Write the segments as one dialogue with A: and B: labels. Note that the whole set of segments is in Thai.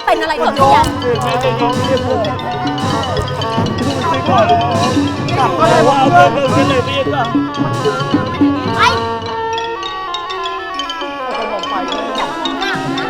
A: เป็นอะไรก่อนพี่ยัน
B: แม่จะยอมเรียกผมไปก่อนกลับก็ได้ว่าเรื่องกันเลยพี่ค่ะ
A: ไป
B: ก็มองไป
A: จับหน้านะ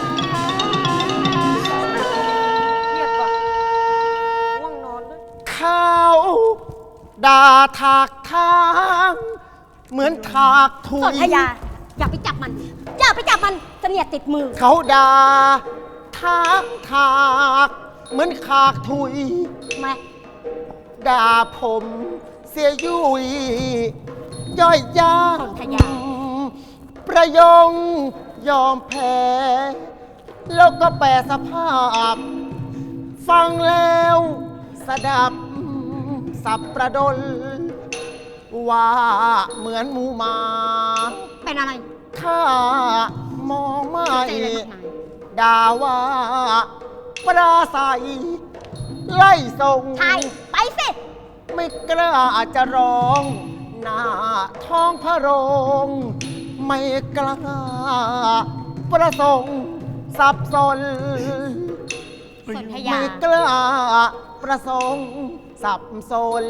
A: เครียดว่ะง่วงนอนด้วย
B: เขาด่าถากทางเหมือนถากถุ
A: สน
B: ย
A: ธยาอย่าไปจับมันอย่าไปจับมันเสนียดติดมือ
B: เขาด่าถากเหมือนขากถุย
A: มา
B: ด่าผมเสียยุยย่อยยาก
A: สนธยา
B: ประยงยอมแพ้ แล้วก็แปรสภาพ ฟังแล้วสดับสับประดล ว่าเหมือนหมูหมา
A: เป็นอะไร
B: ข้ามองไม่
A: ใจอะไรมากมาย
B: ด่าว่าปราศัยไล่ส่ง
A: ใช่ไปสิ
B: ไม่กล้าจะร้องหน้าท้องพระโรงไม่กล้าประสงค์สับสน
A: สนธยา
B: ไม่กล้าประสงค์สับสน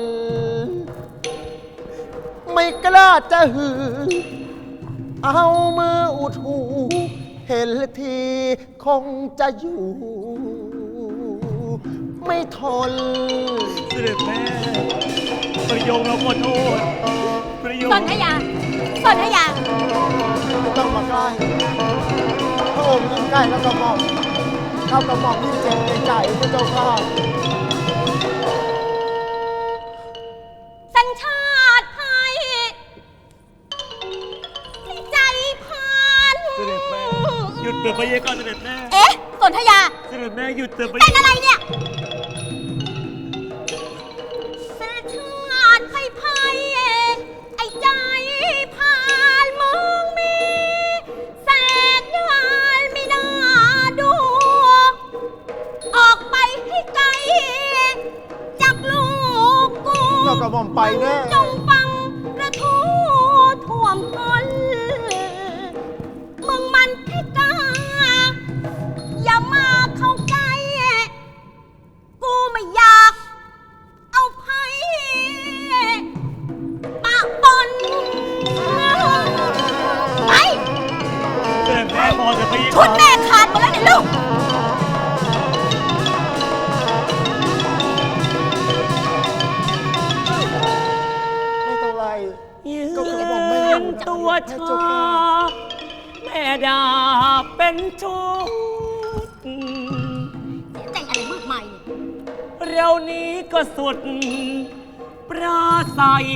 B: ไม่กล้าจะหือ เอามืออุดหู เห็นทีคงจะอยู่ ไม่ทน
C: เสด็จแม่ประโยงเราขอโทษประโยง
A: สนธยาสนธยา
B: ไม่ต้องมาใกล้พระองค์ยิ่งใกล้แล้วก็มองเข้ากระหม่อมยิ่งเจ็บในใจพระเจ้าข้า
A: สัญชาติไทยใจพัน
C: เสด็จแม่หยุดเปิดพระเยก่อนเสด็จแม่
A: เอ๊ะสนธยา
C: เสด็จแม่หยุดเปิดพระ
A: เป็
C: เย
A: นอะไรเนี่ยสัญชาติไทยไไอ้ใจพันมึงมีแสนยานไม่น่าดู ออกไปให้ไกลจากลูกกู
B: ก็กระหม่อมไปแน่
A: จงฟังระทูท่วมท้นมึงมันแค่กล้า อย่ามาเข้าใกล้ กูไม่อยากเอาไพ่ปะปนไป
C: เสด็จแม่พอเถอะพระเย
A: ชุดแม่ขาดหมดแล้วเนี่ยลูก
B: ไม่ต้องไล่
C: ยื
B: ก็กระหม่อมไม่
C: นตัวชาแม่ดาเป็นชุด
A: เสียใจอะไรมากมายเนี่ย
C: เรานี้ก็สุด ปราศัย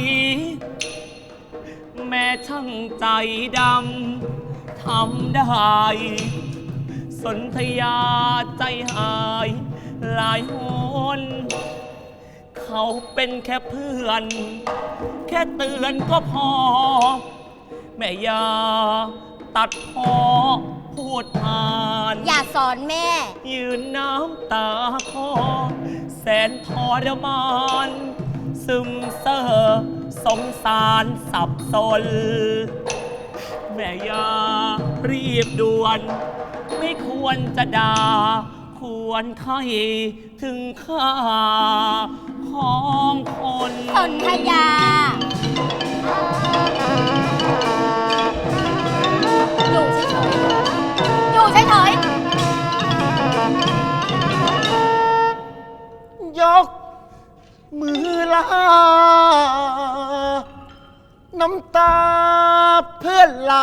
C: แม่ช่างใจดำทำได้ สนธยาใจหายหลายหนเขาเป็นแค่เพื่อน แค่เตือนก็พอ แม่อยาตัดพอพูดผ่าน
A: อย่าสอนแม่
C: ยืนน้ำตาคอแสนทรมาน ซึมเซ่อสงสารสับสน แม่ยารีบด่วน ไม่ควรจะด่า ควรใครถึงค่าของคน
A: สนธยา อยู่เฉยๆอยู่เฉย
B: ยกมือลา น้ำตาเพื่อนไหล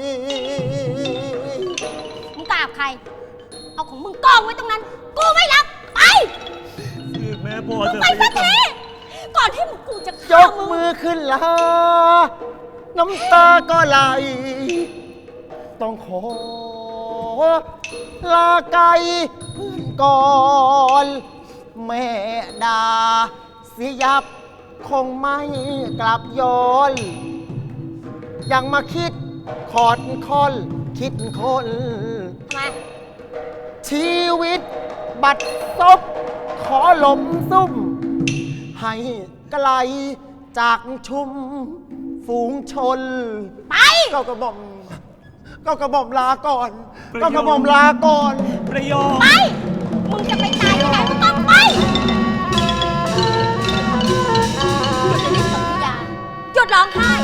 A: ๆมึงกราบใคร เอาของมึงกองไว้ตรงนั้น กูไม่รับ ไป
C: คือแม่พอ
A: มึง
C: เถอะ
A: ไปสักทีก่อนที่กูจะ
B: ย
A: ฆ่าก มึง
B: มือขึ้นลา น้ำตาก็ไหล ต้องขอลาไกลเพื่อนก่อน แม่ดาเสียยับ คงไม่กลับย้อน ยังมาคิดขอดคอนคิดคน
A: ทำไม
B: ชีวิตบัดซบขอหลมซุ่ม ให้ไกลจากชุมฝูงชน
A: ไป
B: ก็กระหม่อมลาก่อน ก็กระหม่อมลาก่อน
C: ประโยค
A: ไปองไห้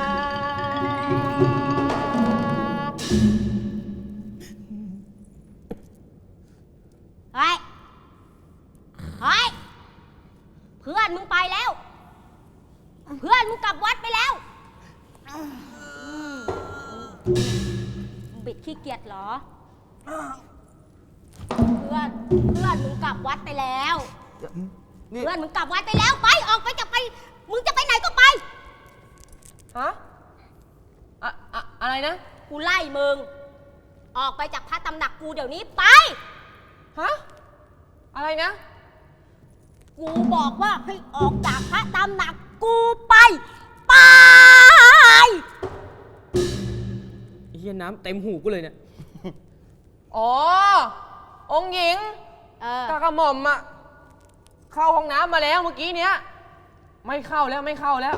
A: เฮ้ยเฮ้ยเพื่อนมึงไปแล้ว เพื่อนมึงกลับวัดไปแล้วมึงบิดขี้เกียจเหรอ เพื่อนมึงกลับวัดไปแล้ว
D: นี่
A: เพื่อนมึงกลับวัดไปแล้วไปออกไปจะไปมึงจะไปไหนก็ไป
D: ฮะอะไรนะ
A: กูไล่มึงออกไปจากพระตำหนักกูเดี๋ยวนี้ไป
D: ฮะ อะไรนะ
A: กูบอกว่าให้ออกจากพระตำหนักกูไปไป
D: ไอ้เหี้ยน้ำเต็มหูกูเลยเนี่ย อ๋อ องค์หญิงกากระหม่อมอะเข้าห้องน้ำมาแล้วเมื่อกี้เนี้ยไม่เข้าแล้วไม่เข้าแล้ว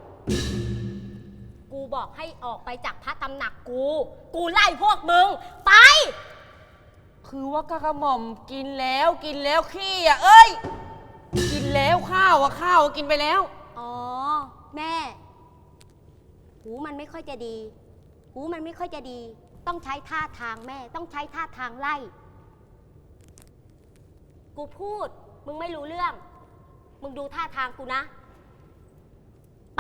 A: กูบอกให้ออกไปจากพระตำหนักกูไล่พวกมึงไป
D: คือว่ากากระหม่อมกินแล้วขี้อะเอ้ย กินแล้วข้าวกินไปแล้ว
A: อ๋อแม่ หูมันไม่ค่อยจะดี ต้องใช้ท่าทางแม่ ต้องใช้ท่าทางไล่ กูพูดมึงไม่รู้เรื่อง มึงดูท่าทางกูนะ ไป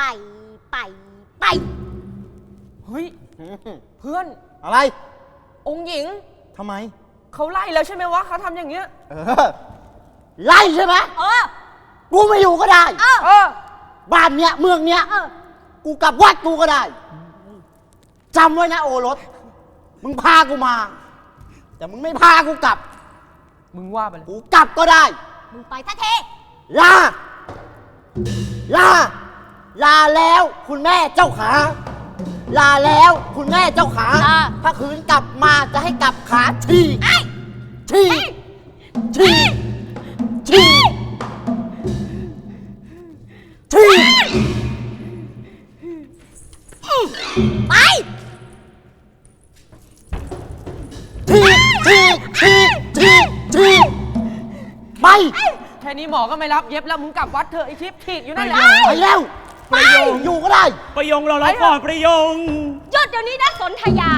D: เฮ้ย เพื่อน
B: อะไร
D: องค์หญิง
B: ทำไม
D: เขาไล่แล้วใช่ไหมวะเขาทำอย่างเงี้ย
B: ไล่ใช่ไหม
A: เออ
B: กูไม่อยู่ก็ได้
D: เออ
B: บ้านเนี้ยเมืองเนี้ย
A: เออ
B: กูกลับวัดกูก็ได้จำไว้นะโอรส มึงพากูมา แต่มึงไม่พากูกลับ
D: มึงว่าไปเลย
B: กูกลับก็ได้
A: มึงไปทันที
B: ลา ลา ลาแล้วคุณแม่เจ้าขา ลาแล้วคุณแม่เจ้าขา ถ้าคืนกลับมาจะให้กลับขาฉีกฉีกฉีกฉีกฉีก
A: ไป
B: ฉีกฉีกฉีกฉีกฉีกไป
D: แค่นี้หมอก็ไม่รับเย็บแล้วมึงกลับวัดเถอะไอ้ทิพย์ฉีกอยู่นั่นแหละ
B: ไปแล้วประโยงอยู่ก็ได้
C: ประยงเราก่อนประยง
A: หยุดเดี๋ยวนี้นะสนธยา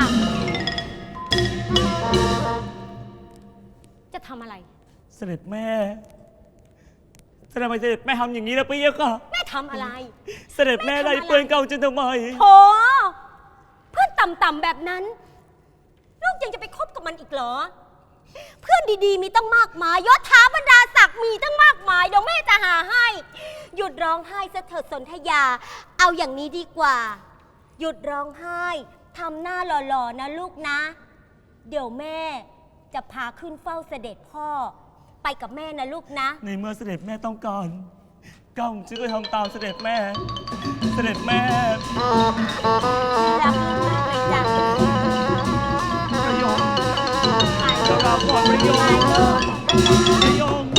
A: จะทำอะไร
C: เสด็จแม่ทำไมเสด็จแม่ทำอย่างนี้ล่ะพี่ค่ะ
A: แม่ทำอะไร
C: เสด็จแม่ไล่เปือนเก่าจนทำไม
A: โถเพื่อนต่ำๆแบบนั้น ลูกยังจะไปคบกับมันอีกเหรอ เพื่อนดีๆมีตั้งมากมายยศถาบรรดาศักดิ์มีตั้งมากมายเดี๋ยวแม่จะหาให้ หยุดร้องไห้ซะเถิดสนธยา เอาอย่างนี้ดีกว่า หยุดร้องไห้ทำหน้าหล่อๆนะลูกนะ เดี๋ยวแม่จะพาขึ้นเฝ้าเสด็จพ่อ ไปกับแม่นะลูกนะ
C: ในเมื่อเสด็จแม่ต้องการก้าวจึงก็ทำตามเสด็จแม่ เสด็จแม่
A: รักลูกมากเลยจ้ะ
C: ประยง
A: ไป
C: เราก่อนประยง
A: ลูก
C: ประยง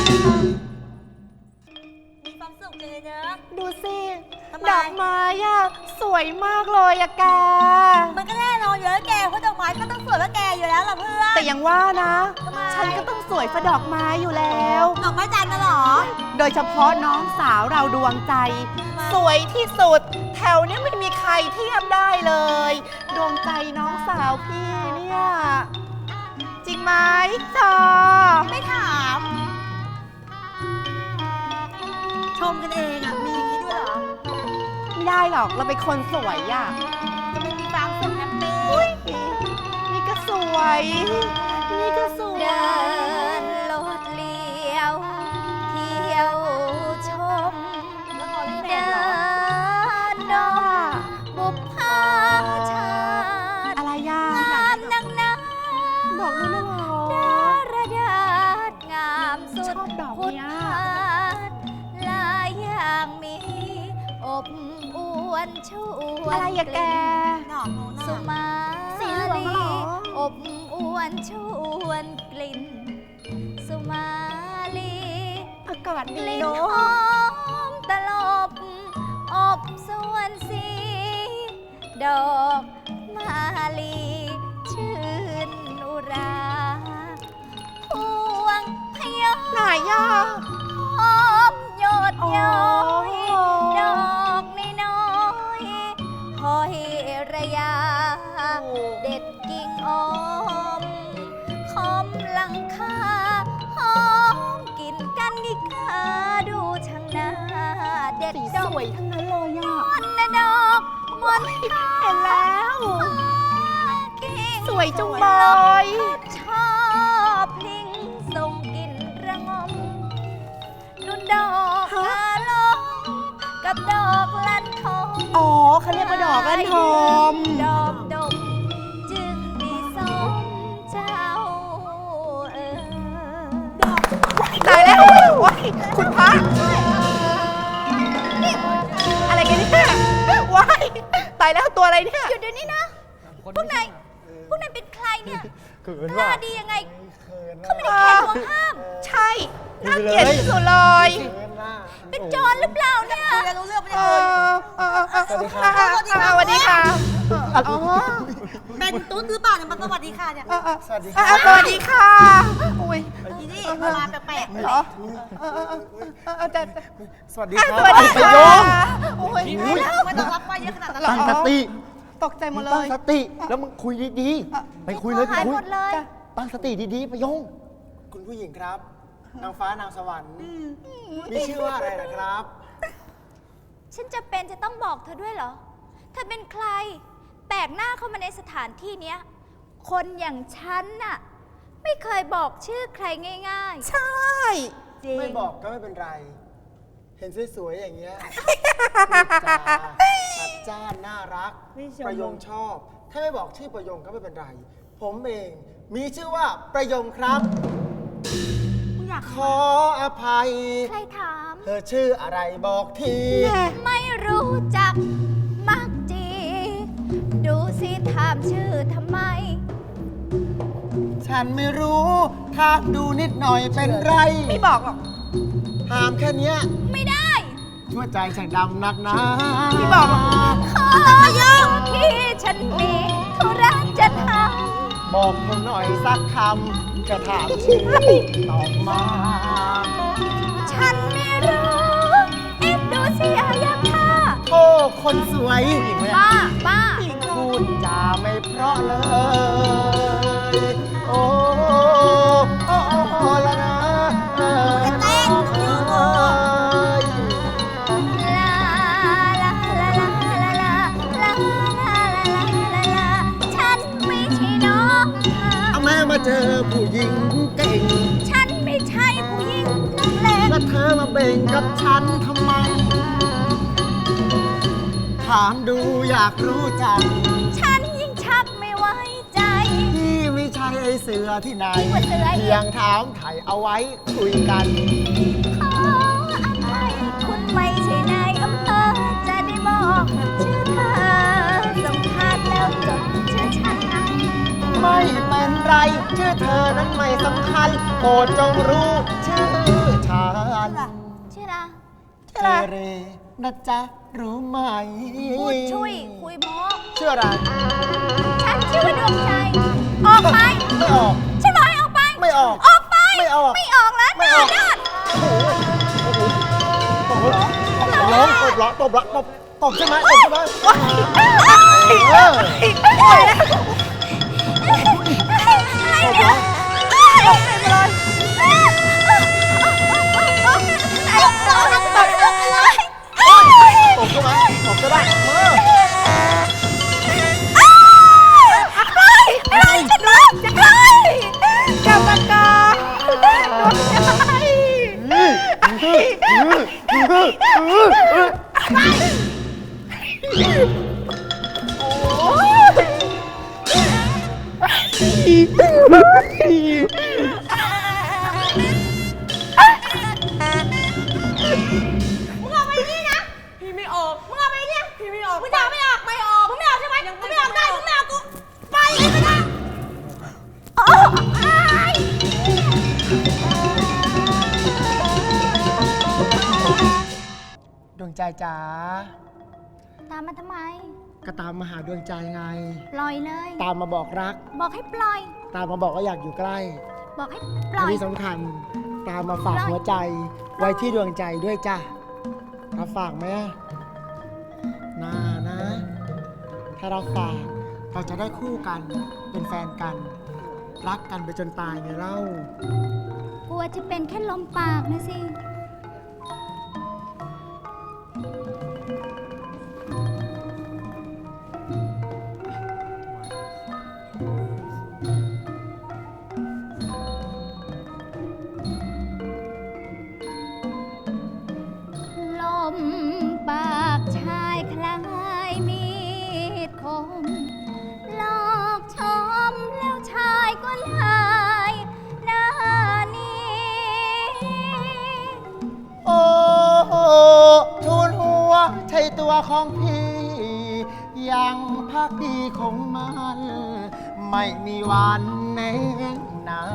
A: มีความสุขเลยเนอะ
E: ดูสิ
A: ทำไม
E: ดอกไม้อะสวยมากเลยอะแก
A: มันก็แน่นอนอยู่แล้วแกเพราะดอกไม้ก็ต้องสวยกว่าแกอยู่แล้วล่ะเพื่อน
E: แต่ยังว่านะ
A: ทำไม
E: ฉันก็ต้องสวยกว่าดอกไม้อยู่แล้ว
A: ดอกไม้จันทร์น่ะเหรอ
E: โดยเฉพาะน้องสาวเราดวงใจ สวยที่สุด แถวเนี้ยไม่มีใครเทียบได้เลย ดวงใจน้องสาวพี่เนี่ย จริงไหมจอ
A: ไม่ถาม ชมกันเองอ่ะ มีอย่างนี้ด้วยเหรอ
E: ไม่ได้หรอกเราเป็นคนสวยอะ
A: จะไม่มีความสุขแฮปปี้
E: นี่ก็สวย นี่ก็สวย
A: เดินโลดเลี้ยว เที่ยวชม เดินดมบุพภาชาติ
E: อะไรย่าง
A: ามนังนา
E: บอกเลยนะหรอ
A: ระดาษงามสุด
E: ชอบดอกเนี้ย
A: พุทธาหลายอย่างมีอบอวนชวน
E: อะไรอะแก
A: สุมา
E: สีเหลืองเหรอ
A: อบอวนชวนกลิ่น สุมาลี
E: อากาศ
A: ก
E: ดี
A: ลิ่น
E: เนา
A: ห
E: ะ
A: อมตลบอบสวนสี ดอกมาลีชื่นอุรา พวงพยอ
E: ไหนย่า
A: หอมหยดย้อย
E: อ๋อ
A: ดอกน้อยด
E: สี
A: ด
E: ส
A: ก
E: วยทั้งนั้นเลยอ่ะ
A: มนต์ดอกมนต์
E: เห็นแล้ว สวยจุงเบย
A: ชอบลิงส่งกลิ่นระงมนุ่นดอกกาลงกับดอกลันทม
E: อ๋อเขาเรียกว่าดอกลันทม
A: ดอกดมจึงดีสมเจ้า
E: ตายแล้วว้ายคุณพระอะไรกันเนี่ยว้ายตายแล้วตัวอะไรเนี่ย
A: หยุดเดี๋ยวนี้นะ พวกนายเป็นใครเนี่ย
B: เขิน
A: หน้า
B: ว่ะ
A: ดียังไง
B: เขิน
A: เขาไม่ได้แข่งหัวห้าม
E: ใช่น่าเกลียดที่สุดเลย
B: เขินว่ะ
A: เป็นโจรหรือเปล่าเนี่ยรู้เรื่องไม่
E: เอ
A: ได้
E: สวัสดีค่ะอ๋อ
A: เป็นตุ๊ดหรือเปล่าเนี่ยมันสวัสดีค่ะเนี่ย
B: สวัสดีครับ
E: สวัสดีค่ะอุ้ย
A: ทีนี่มาแปลก
E: เหรอแต่
B: สวัสดี
E: ส
B: ครับ
E: วัสดี
B: ไป
E: ค่ะ
B: โยง
E: โอ้ย
A: ไม่ต้องรับไฟเยอะขนาดนั้น
B: ตั้งสติ
E: ตกใจหมดเล
B: ตั้ง
E: ย
B: สติ แล้วมึงคุยดีๆ ไปคุยเลยไป
A: หาย
B: คุย
A: หมดเลย
B: ตั้งสติดีๆไปโยง
F: คุณผู้หญิงครับ นางฟ้านางสวรรค์มีชื่อว่าอะไรนะครับ
A: ฉันจะเป็นจะต้องบอกเธอด้วยเหรอ เธอเป็นใคร แปลกหน้าเข้ามาในสถานที่เนี้ย คนอย่างฉันน่ะ ไม่เคยบอกชื่อใครง่าย
E: ใช่
A: ๆ จริง
F: ไม่บอกก็ไม่เป็นไร เห็นสวยๆอย่างเงี้ยพูดจาจัดจ้านน่ารัก ประโยงชอบ ถ้าไม่บอกชื่อประโยงก็ไม่เป็นไร ผมเองมีชื่อว่าประโยงครับ
A: อยาก
F: ขออภัย
A: ใครถาม
F: เธอชื่ออะไรบอกที
A: ไม่รู้จักมักจี ดูสิถามชื่อทำไม
F: ฉันไม่รู้ถ้าดูนิดหน่อยเป็นไร
E: ไม่บอกหรอก
F: ถามแค่เนี้ย
A: ไม่ได้
F: ชั่วใจฉันดำนักนะ
E: ไม่บอกหรอก
A: ขอยกที่ฉันมีธุระจะท
F: บอกผมหน่อยสักคำจะถามชื่อตอบมา
A: ำฉันไม่รู้เอ็ดดูสิอายาค่ะ
F: โอ้คนสวยผู้หญิงเนี่ย
A: บ้า
F: พูดจาไม่เพราะเลย โอ้โอ้โอ้ละนะเอ้ย
A: จะเต้นต้องยืน ลาลาลาลาลาลาลาลาลาลาลาฉันไม่ใช่น้องเธอ
F: เอาแม่มาเจอผู้หญิงเก่ง
A: ฉันไม่ใช่ผู้หญิงนักเลง
F: แล้วเธอมาเบ่งกับฉันทำไม ถามดูอยากรู้จัก
A: ฉันยิ่งชักไม่ไว้ใจ
F: พี่ไม่ใช่ไอเสือที่ไหน
A: ว่าเสืออีก
F: เพียงถามไถ่เอาไว้คุยกัน
A: ขออภัยคุณไม่ใช่นายอำเภอจะได้บอกชื่อเธอสัมภาษณ์แล้วจดชื่อฉันนะ
F: ไม่เป็นไร ชื่อเธอนั้นไม่สำคัญโปรดจงรู้ชื่อฉัน
A: ชื่ออะไร
F: เทเรนะจ๊ะรู้ไหม
A: พูดช่วยคุยโม้
F: ชื่ออะไร
A: ฉันชื่อว่าดวงใจ ออกไป
F: ไม่ออก
A: ฉันบอกให้ออกไป
F: ไม่ออก
A: ออกไป
F: ไม่ออก
A: ไม่ออกแล้ว
F: ไม่ออก
A: หน้ายอด
F: ตบเหรอร้องตบเหรอตบเหรอตบใช่ไหมตบใช่ไหมเออ
A: อะไรเนี่ย
F: ตบใช่ไหมตบใช่ไหมเออ
A: อะไรฉันรักจะใคร
E: กรรมการดวงใจ
A: มึงเอาไปนี่นะ
D: พี่ไม่ออก
A: มึงเอาไปเนี่ย
D: พี่ไม่ออก
A: มึงจะเอาไม่ออก ไม่ออก มึงไม่ออกใช่ไหมมึงไม่ออกได้ มึงไม่ออกกู ไปเลยก็ได้โอ้ย
F: ดวงใจจ๋า
A: ตามมาทำไม
F: ก็ตามมาหาดวงใจไง
A: ปล่อยเลย
F: ตามมาบอกรัก
A: บอกให้ปล่อย
F: ตามมาบอกว่าอยากอยู่ใกล้
A: บอกให้ป
F: และ
A: ล่อย
F: ที่สำคัญ ตามมาฝากหัวใจ ไว้ที่ดวงใจด้วยจ้ะรับฝากไหมอะน่านะ ถ้าเราฝากเราจะได้คู่กัน เป็นแฟนกัน รักกันไปจนตายไงเล่า
A: กลัวจะเป็นแค่ลมปากนะสิ
B: ของพี่ยังพักดีของมัน ไม่มีวันแน่นาย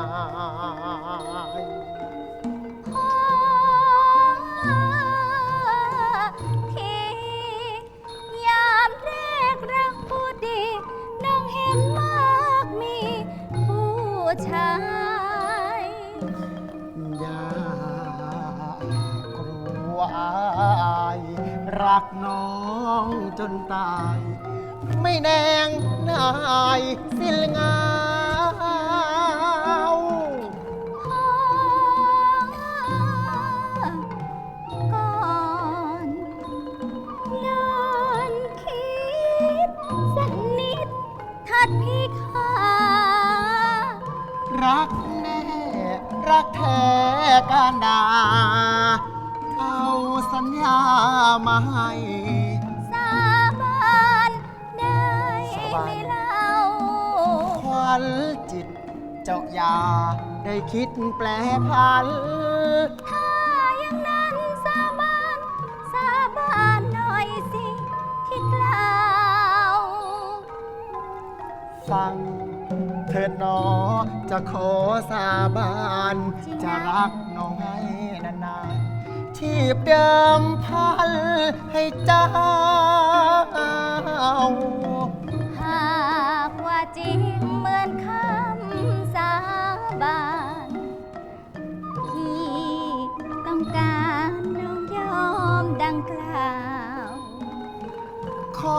A: ที่ยามแรกรักผู้ดีน้องเห็นมากมีผู้ชาย
B: อย่ากลัวอายรักน้องจนตาย ไม่แนงนายสิ้นเงา
A: ก่อนนอนคิดสักนิดถัดพี่ขา
B: รักแน่รักแท้การดาเอาสัญญามาให้
A: สาบานได้ไหมเล่า
B: ควันจิตเจ้าอย่าได้คิดแปลพัน
A: ถ้าอย่างนั้นสาบานหน่อยสิที่กล่าว
B: ฟังเถิดหนอจะขอสาบานจะรักน้องให้นานๆทีบเดิมพันให้เจ้า
A: หากว่าจริงเหมือนคำสาบานพี่ต้องการน้องยอมดังกล่าว
B: ขอ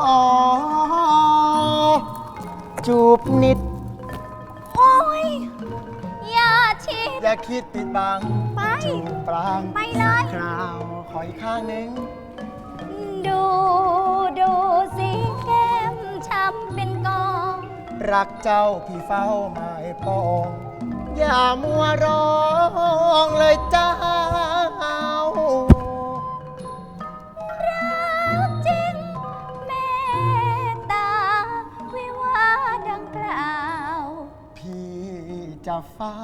B: จูบนิด
A: โอ้ยอย่าชิด
B: อย่าคิดปิดบัง
A: ไป
B: จูบปราง
A: ไปเลย
B: สักคราว ขออีกข้างหนึ่ง
A: ดูสิแก้มช้ำเป็นกอง
B: รักเจ้าพี่เฝ้าหมายปอง อย่ามัวร้องเลยเจ้า
A: รักจริงเมตตาวิวาดังกล่าว
B: พี่จะเฝ้า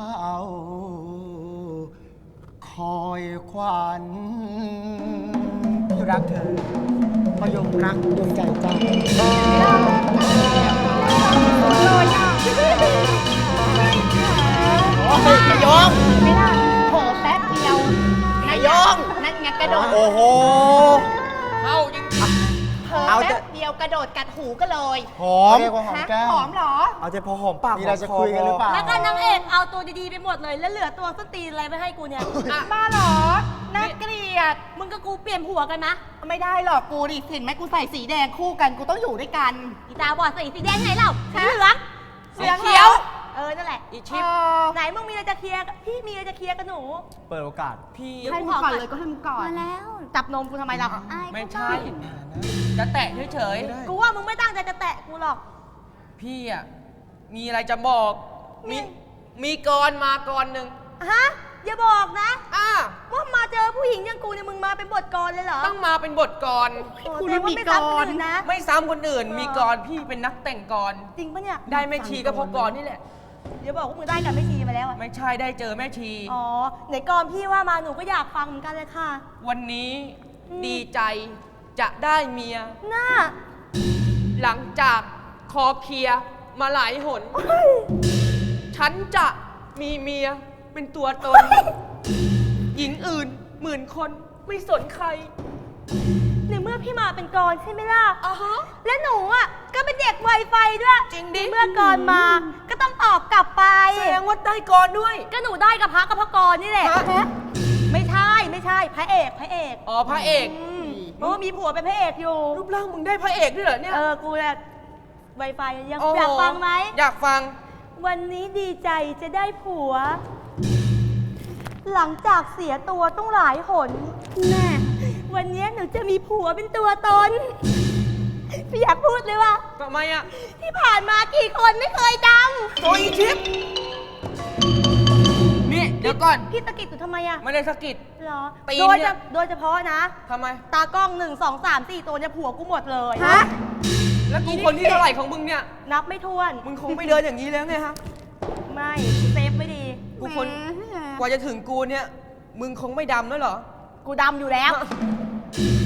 B: คอยควันพี่รักเธอพยงรักดวงใจเจ้า โอ้ยนายง
E: ไม่ได้โผแป๊บเดียว
B: นายง
E: นั่นไงกระโดด
B: โอ้โห
D: เข้าจริง
E: เผลอ
B: เอาแต่
E: แป๊บเดียวกระโดดกัดหูก็เลย
B: หอมเรียกว่าหอม
E: ฮะ
B: แก้ม
E: หอมเหรอ
F: เอาใจพอหอมปาก
B: มีอะไรจะคุยกันหรือเปล่า
G: แล้วก็นางเอกเอาตัวดีๆไปหมดเลย แล้วเหลือตัวส้นตีนอะไรไปให้กูเนี่ย
E: บ้าเหรอ น่าเกลียด
G: มึงกับกูเปลี่ยนผัวกันนะ
E: ไม่ได้หรอกกูดิเห็นไหมกูใส่สีแดงคู่กัน กูต้องอยู่ด้วยกัน
G: อีตาบอดสีแดงไงเล่าสีเหลือง
E: สีเขียว
G: เออ นั่นแหละ
D: อีชิป
G: ไหนมึงมีอะไรจะเคลียร์กับพี่มีอะไรจะเคลียร์กับหนู
F: เปิดโอกาส
D: พี่
E: ให้มึงก่อนเลยก็ให้มึงก่อน
A: มาแล้ว
G: จับนมกูทำไมล่ะ
A: อาย
D: ไม่ใช่ จะแตะเฉย
G: กูว่ามึงไม่ตั้งใจจะแตะกูหรอก
D: ๆ พี่อ่ะ มีอะไรจะบอก มีกรมากรหนึ่ง
G: ฮะ อย่าบอกนะ
D: ว่า
G: ว่ามาเจอผู้หญิงอย่างกูเนี่ยมึงมาเป็นบทกรเลยเหรอ
D: ต้องมาเป็นบทกร
E: กู
G: แสดงว่า
E: มี
G: ไม่
E: ก
G: ซ้ำ
E: ร
G: คนอื่นนะ
D: ไม่ซ้ำคนอื่น มีกรพี่เป็นนักแต่งกร
G: จริงปะเนี่ย
D: ได้แม่ชีก็เพราะกรนี่แหละ
G: เดี๋ยวบอกว่ามึงได้กับไม่ชีมาแล้วอะ
D: ไม่ใช่ได้เจอแม่ชี
G: อ๋อ ไหนกรพี่ว่ามาหนูก็อยากฟังเหมือนกันเลยค่ะ
D: วันนี้ดีใจจะได้เมีย
G: หน้า
D: หลังจากคอเคลียร์มาหลายหน ฉันจะมีเมียเป็นตัวตน หญิงอื่นหมื่นคนไม่สนใคร
G: ในเมื่อพี่มาเป็นกรใช่ไหมล่ะ
D: อ่าฮะ
G: และหนูอ่ะก็เป็นเด็กไวไฟด้วย
D: จริงดิ
G: ในเมื่อกรมา ก็ต้องตอบกลับไป
D: แสดงว่าได้กรด้วย
G: ก็หนูได้กับพระกับพระกรนี่แหละ
D: ฮะ
G: ไม่ใช่พระเอก
D: อ๋อพระเอก
G: เพราะว่ามีผัวเป็นพระเอกอยู่
D: รูปร่างมึงได้พระเอกด้วยเหรอเนี่ย
G: กูเนี่ยไวไฟยัง
D: โโ
G: อยากฟังไหม
D: อยากฟัง
G: วันนี้ดีใจจะได้ผัว หลังจากเสียตัวต้องหลายหนแน่วันนี้หนูจะมีผัวเป็นตัวตนพี่อยากพูดเลยว่า
D: ทำไมอ่ะ
G: ที่ผ่านมากี่คนไม่เคยจ
D: โอ้ยชิป นี่เดี๋ยวก่อน
G: ำพี่ตะกิดอยู่ทำไมอะ
D: ไม่ได้สะกิด
G: เหรอ
D: ตีน
G: โดย
D: เนี่
G: จะ
D: ย
G: โดยเฉพาะนะ
D: ทำไม
G: ตากล้อง1 2 3 4 ตัวเนี่ยผัวกูหมดเลย
D: แล้วกูคนที่เท่าไหร่ของมึงเนี่ย
G: นับไม่ถ้วน
D: มึงคงไม่เดินอย่างนี้แล้วไงฮะ
G: ไม่เซฟไม่ดี
D: กูคนกว่าจะถึงกูเนี่ย มึงคงไม่ดำแล้วเหรอ
G: กูดำอยู่แล้ว
D: ก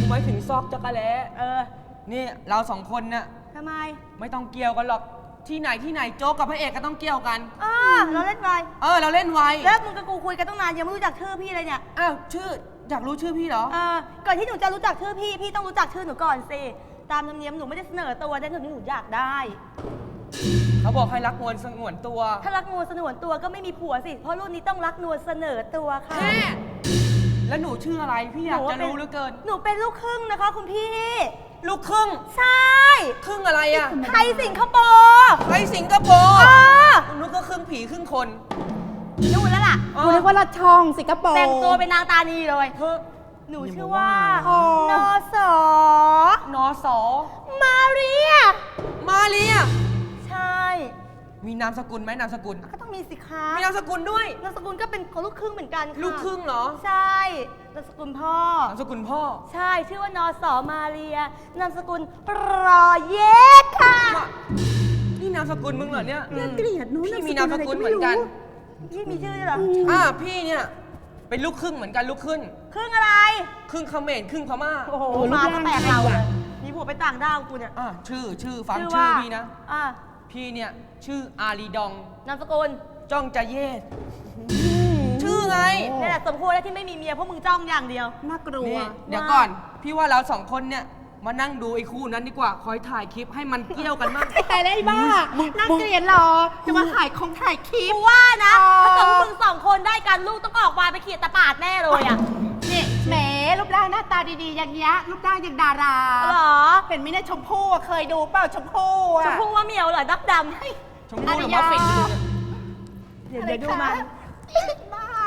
D: หมายถึงซอกจักรแล้ นี่เราสองคนน่ะ
G: ทำไม
D: ไม่ต้องเกี่ยวกันหรอก ที่ไหนโจ๊กกับพระเอกก็ต้องเกี่ยวกัน
G: เราเล่นไว
D: เราเล่นไว
G: แล้วมึงกับกูคุยกันตั้งนานยังไม่รู้จักชื่อพี่เลยเนี่ย
D: อ้าวชื่ออยากรู้ชื่อพี่เหรอ
G: ก่อนที่หนูจะรู้จักชื่อพี่ พี่ต้องรู้จักชื่อหนูก่อนสิ ตามธรรมเนียมหนูไม่ได้เสนอตัวแต่หนูอยากได้
D: เขาบอกให้รักนวลสงวนตัว
G: ถ้ารักนวลสนวนตัวก็ไม่มีผัวสิ เพราะรุ่นนี้ต้องรักนวลเสนอตัวค่ะ
D: แม่แล้วหนูชื่ออะไรพี่อยากจะรู้เหลือเกิน
G: หนูเป็นลูกครึ่งนะคะคุณพี่
D: ลูกครึ่ง
G: ใช่
D: ครึ่งอะไรอ่ะ
G: ไทยสิงคโปร์
D: ไปสิงคโปร์นุกก็ครึ่งผีครึ่งคน
G: นู่นแล้วล่ะ
E: กูนึกว่าลัดช่องสิงคโปร์
G: แต่งตัวเป็นนางตานีเลย หนูชื่อว่านอสอน
D: อสอ
G: มาเรีย
D: มาเรีย
G: ใช่
D: มีนามสกุลไหมนามสกุล
G: ก็ต้องมีสิคะ
D: มีนามสกุลด้วย
G: นามสกุลก็เป็นคนลูกครึ่งเหมือนกันค่ะ
D: ลูกครึ่งเหรอ
G: ใช่นามสกุลพ่อ
D: นามสกุลพ่อ
G: ใช่ชื่อว่านอสอมาเรีย นามสกุลรอเยกค่ะ
D: นี่นามสกุลมึงเหรอเนี่ย
E: น่าเกลียดนู้น
D: พี่มีนามสกุลเหมือนกัน
G: พี่มีชื่อด้วยเหรอ
D: พี่เนี่ยเป็นลูกครึ่งเหมือนกันลูกครึ่ง
G: ครึ่งอะไร
D: ครึ่งเขมรครึ่งพม่า
G: โอ้โหมาก็แปลกเราเลยมีผัวไปต่างด้าวกูเนี่ย
D: ชื่อฟัง
G: ว่า
D: ชื่อพี่นะ
G: อ่ะ
D: พี่เนี่ยชื่ออาลีดอง
G: นามสกุล
D: จ้องจะเยศชื่อไง
G: นี่แหละสมควรแล้วที่ไม่มีเมียเพราะมึงจ้องอย่างเดียว
E: น่ากลัว
D: นี่เดี๋ยวก่อน พี่ว่าเราสองคนเนี่ยมานั่งดูไอ้คู่นั้นดีกว่า คอยถ่ายคลิปให้มันเกี่ยวกันบ้าง
E: แต่ได้บ้าน่าเกลียดหรอ จะมาถ่ายคลิป
G: กูว่านะ ถ้าเกิดว่ามึงสองคนได้กันลูกต้องออกมาไปเขียดตะปาดแน่เลยอ่ะ
E: นี่แหมรูปร่างหน้าตาดีๆ อย่างเงี้ยรูปร่างอย่างดารา
G: เหรอ
E: เห็นไหมเนี่ยชมพู่อะเคยดูเปล่าชมพู่อะ
G: ชมพู่ว่าเหมียวเหรอดับด
D: ชมพู่หรือว่าฟินอยู่เนี่ย
G: ำเดี๋ยวดูมัน
E: บ้า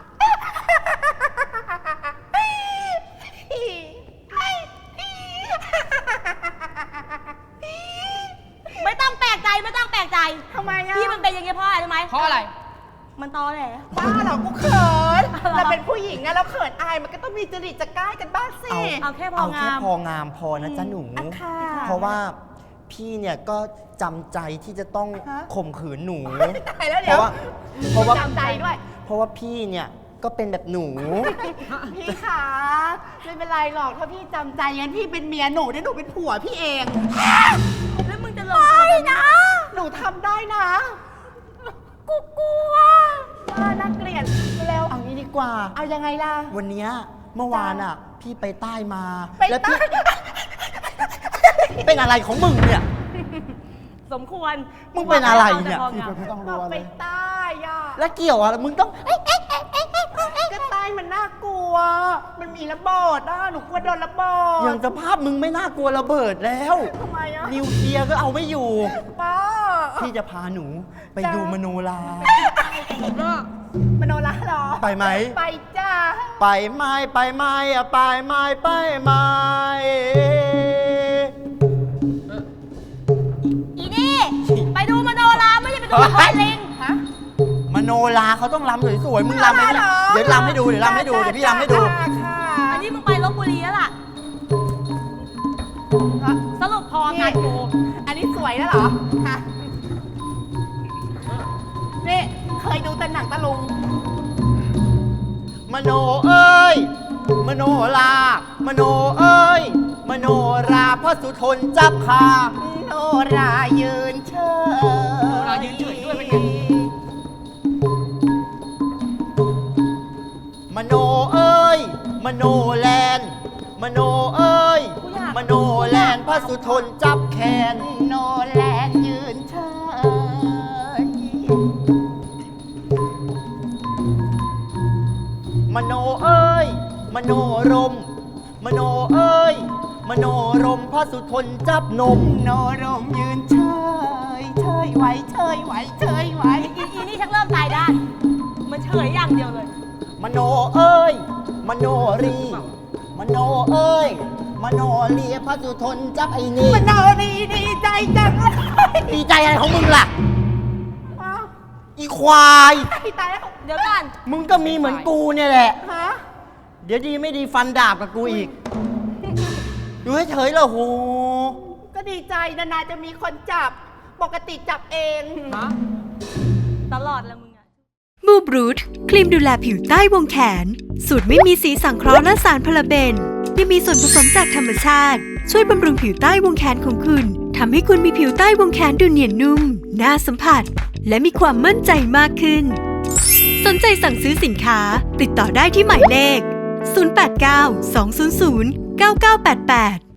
G: ไม่ต้องแปลกใจไม่ต้องแปลกใจ
E: ทำไมอะ
G: พี่มันเป็นอย่างเงี้ยเพราะอะไรรู้ไหม
D: เพราะอะไร
G: มันตอแหล
E: บ้าเหรอกูเขิน
G: อะไร
E: เราเป็นผู้หญิงอะเราเขินอายมันก็ต้องมีจริตจะใกล้กันบ้างสิ
G: เอาแค่พอ
B: เอา
G: งา
B: แค่
G: ม
B: พองามพอนะจ๊ะหนู
E: อ่ะค่ะ
B: เพราะว่าพี่เนี่ยก็จำใจที่จะต้อง
E: ฮะ
B: ข่มขืนหนู
E: ตายแล้ว
B: เพ
E: เดี๋ยว
B: ราะว่า
E: จำใจด้วย
B: เพราะว่าพี่เนี่ยก็เป็นแบบหนู
E: พี่ขาไม่เป็นไรหรอกถ้าพี่จำใจงั้นพี่เป็นเมียหนูเดี๋ยวหนูเป็นผัวพี่เอง
G: แล้วมึงจะลงตัวกันนะ
E: หนูทำได้นะ
G: กูกลัว
E: น่าเกลียดเร็ว
B: เอางี้ดีกว่า
E: เอายังไงล่ะ
B: วันเนี้ยเมื่อวานอ่ะ พี่ไปใต้มา
E: ไป
B: แล้ว
E: ใต้
B: พี่ เป็นอะไรของมึงเนี่ย
G: สมควร
B: มึงเป็นอะไรเนี่ย
G: พอ
F: พี่
G: งาม
F: ไม่ต้อง
E: บ
F: รั
E: อก
F: ว
E: ไป
F: เลย
E: ใต้อะ
B: แล้วเกี่ยวอะไรมึงต้อง
E: ก็ใต้มันน่ากลัว มันมีระเบิดอะหนูกลัวโดนระเบิด
B: อย่างสภาพมึงไม่น่ากลัวระเบิดแล้ว
E: ทำไมอะ
B: นิวเคลียร์ก็เอาไม่อยู่
E: ป้า
B: พี่จะพาหนูไปดูมโนรา
E: มโนราเหรอ
B: ไปไหม
E: ไปจ้า
B: ไปไหม้ไปไหม้อะไปไหม้ไปไหม้
G: อีนี่ ไปดูมโนราไม่ใช่ไปดูละครลิง
E: ฮะ
B: มโนราเขาต้องรำสวยๆมึงรำไหมเนี่ยเดี๋ยวรำให้ดูเดี๋ยวรำให้ดูเดี๋ยวพี่รำให้ดู
E: ค่ะ
G: อันนี้มึงไปลบบุรีแล้วล่ะ สรุปพองานกู
E: อันนี้สวยแล้วเหรอฮะนี่เคยดูแต่หนังตะลุง
B: มโนเอ้ย มโนรามโนเอ้ย มโนราพระสุทนจับคา
E: โนรายืนเฉย
D: โนรายืนเฉยด้วยเป็นไง
B: มโนเอ้ย มโนแลน มโนเอ้ย มโนแลนพระสุทนจับแขน
E: โนแลนยืนเฉย
B: มโนเอ้ย มโนรม มโนเอ้ย มโนรมพระสุทนจับนม
E: โนรมยืนเฉยเฉยไหวเฉยไหวเฉยไหว
G: อีนี่ชักเริ่มตายด้านมันเฉยอย่างเดียวเลย
B: มโนเอ้ย มโนรี มโนเอ้ย มโนเลียพระสุทนจับไอ้นี่
E: มโนรีดีใจจังเลย
B: ดีใจอะไรของมึงล่ะ
E: อ้าว
B: อีควาย
E: ตายแล้ว
G: เดี๋ยวก่อน
B: มึงก็มีเหมือนกูเนี่ยแหละ
E: ฮะ
B: เดี๋ยวดีไม่ดีฟันดาบกับกูอีก อยู่เฉยๆเหรอโห
E: ก็ดีใจนานๆจะมีคนจับ ปกติจับเอง
G: ตลอดแล้วมึงอะ
H: มูบรูทครีมดูแลผิวใต้วงแขน สูตรไม่มีสีสังเคราะห์และสารพาราเบนยังมีส่วนผสมจากธรรมชาติช่วยบำรุงผิวใต้วงแขนของคุณทำให้คุณมีผิวใต้วงแขนดูเนียนนุ่มน่าสัมผัสและมีความมั่นใจมากขึ้นสนใจสั่งซื้อสินค้าติดต่อได้ที่หมายเลข 089 200 9988